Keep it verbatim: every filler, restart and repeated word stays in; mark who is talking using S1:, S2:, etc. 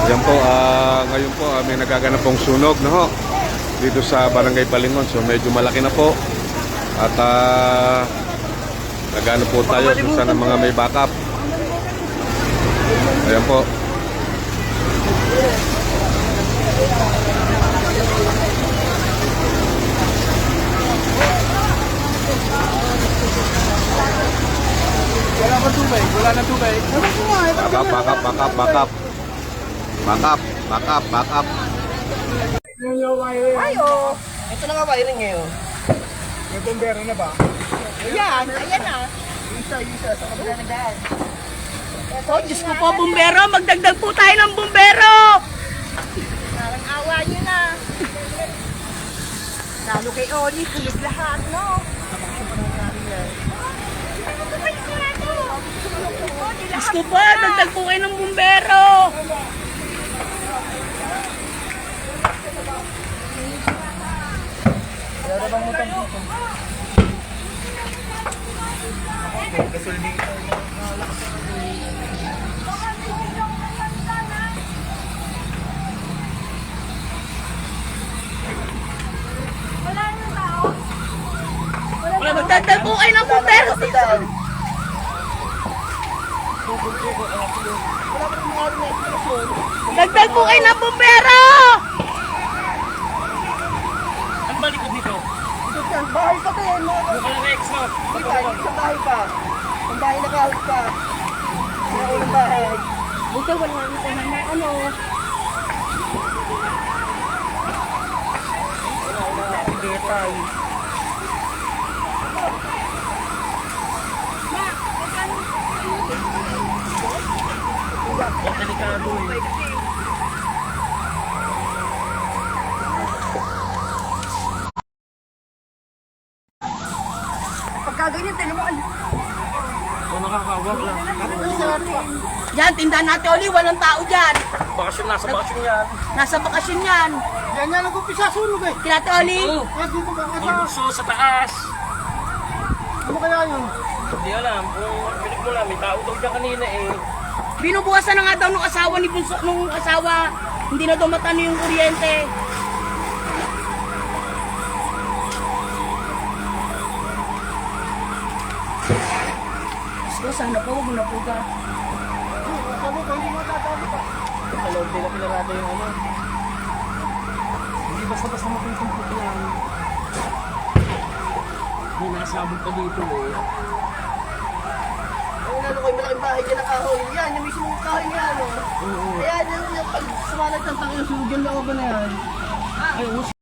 S1: Yan po, uh, ngayon po uh, may nagaganap pong sunog no, ho, dito sa Barangay Balingon. So medyo malaki na po. At uh, nagano po tayo kung saan ang mga may backup. Ayan po.
S2: Wala pa tubig, wala na tubig.
S1: Backup, backup, backup, backup. Backup, backup, backup.
S2: Ay, oh. Ito na nga wiring ngayon. May bombero na ba?
S3: Ayan, ayan na.
S2: Isa, isa, sa kabila na daan.
S3: Oh, Diyos ko po, bumbero. Magdagdag po tayo ng bumbero. Parang awa nyo na. Lalo kay Oli, kulit lahat, no? Diyos ko po, dagdag po kayo ng bumbero.
S2: Wala na bang mutang dito? Kasuldi.
S3: Magdagdag po kayo ng bumbero. Dagdag po kayo ng bumbero.
S2: Ang balik ko dito.
S4: Bahay pa kayo, no?
S2: Wala na extra.
S4: Kita, isang bahay pa. Ang bahay na kahit pa. Ang unang bahay.
S3: Buto, wala na po na ano.
S4: Hindi tayo.
S2: Ang delikado eh.
S4: Pagka ganyan, tinan mo.
S2: Kung nakakawag lang.
S3: Yan, tindahan natin uli, walang tao dyan.
S2: Bakasyon, nasa bakasyon yan.
S3: Nasa bakasyon yan.
S4: Yan yan, nag-umpisa sunog eh.
S3: Kinate Oli.
S2: Oo.
S4: Yan dito ba
S2: Ang
S4: kaya?
S2: bukso sa taas.
S4: Ano kaya yun?
S2: Hindi alam. Kung pinig mo lang, may tao daw dyan kanina eh.
S3: Binubukasan na nga daw nung asawa ni Bunso, nung asawa. Hindi na daw matano yung kuryente. So, sana po, huwag mo na po ka.
S4: Sabi ko, hindi mo tatawag pa.
S2: Kalawag nila pinarada yung ano. Hindi basta-basta makuntong yan. May nasabog pa dito eh.
S4: Ang ano ko, yung malaking bahay dyan na kahoy. Yan, yung mismo kahoy niya, ano?
S2: Oo.
S4: Kaya yan, yung pag sumalag ng takyo, sunog yung looban na yan.
S2: Ay,